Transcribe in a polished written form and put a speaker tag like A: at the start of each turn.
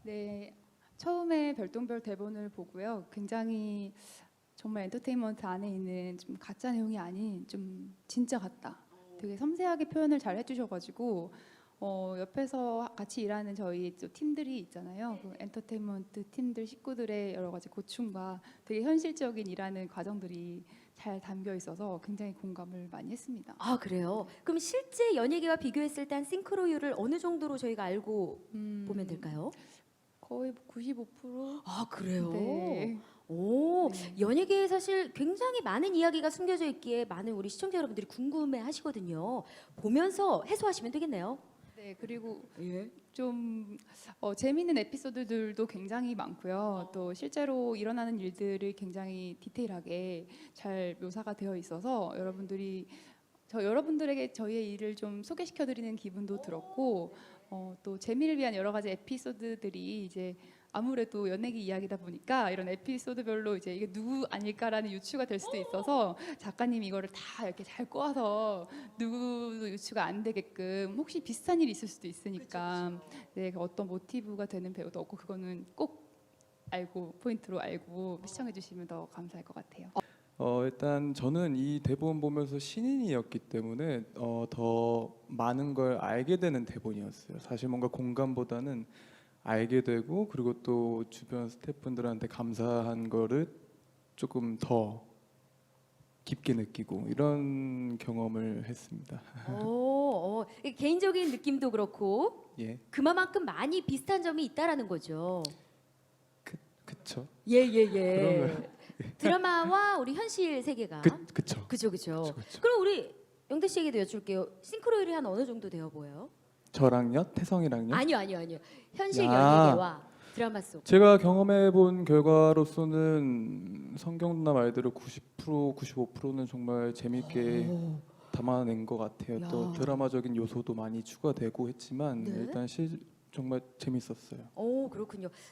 A: 네, 처음에 별똥별 대본을 보고요. 굉장히 정말 엔터테인먼트 안에 있는 좀 가짜 내용이 아닌 좀 진짜 같다. 되게 섬세하게 표현을 잘 해주셔가지고 옆에서 같이 일하는 저희 또 팀들이 있잖아요. 그 엔터테인먼트 팀들 식구들의 여러 가지 고충과 되게 현실적인 일하는 과정들이 잘 담겨 있어서 굉장히 공감을 많이 했습니다.
B: 아, 그래요? 그럼 실제 연예계와 비교했을 때 한 싱크로율을 어느 정도로 저희가 알고 보면 될까요?
A: 거의 95%?
B: 아, 그래요?
A: 네.
B: 오,
A: 네.
B: 연예계에 사실 굉장히 많은 이야기가 숨겨져 있기에 많은 우리 시청자 여러분들이 궁금해 하시거든요. 보면서 해소하시면 되겠네요.
A: 네, 그리고
B: 예.
A: 좀 재미있는 에피소드들도 굉장히 많고요. 또 실제로 일어나는 일들을 굉장히 디테일하게 잘 묘사가 되어 있어서 여러분들에게 저희의 일을 좀 소개시켜드리는 기분도 들었고 또 재미를 위한 여러 가지 에피소드들이 이제 아무래도 연예계 이야기다 보니까 이런 에피소드별로 이제 이게 누구 아닐까라는 유추가 될 수도 있어서 작가님이 이거를 다 이렇게 잘 꼬아서 누구도 유추가 안 되게끔 혹시 비슷한 일이 있을 수도 있으니까 네, 그 어떤 모티브가 되는 배우도 없고 그거는 꼭 알고 포인트로 알고 시청해 주시면 더 감사할 것 같아요.
C: 일단 저는 이 대본 보면서 신인이었기 때문에 더 많은 걸 알게 되는 대본이었어요. 사실 뭔가 공감보다는 알게 되고 그리고 또 주변 스태프분들한테 감사한 거를 조금 더 깊게 느끼고 이런 경험을 했습니다.
B: 이 개인적인 느낌도 그렇고
C: 예,
B: 그만큼 많이 비슷한 점이 있다라는 거죠.
C: 그쵸?
B: 예. 드라마와 우리 현실 세계가
C: 그쵸?
B: 그죠.
C: 그쵸.
B: 그럼 우리 영대 씨에게도 여쭐게요. 싱크로율이 한 어느 정도 되어 보여요?
C: 저랑요? 태성이랑요?
B: 아니요. 현실
C: 야.
B: 연예계와 드라마 속.
C: 제가 경험해 본 결과로서는 성경 누나 말대로 90%, 95%는 정말 재밌게
B: 오,
C: 담아낸 것 같아요.
B: 야.
C: 또 드라마적인 요소도 많이 추가되고 했지만
B: 네.
C: 일단 정말 재밌었어요.
B: 오, 그렇군요.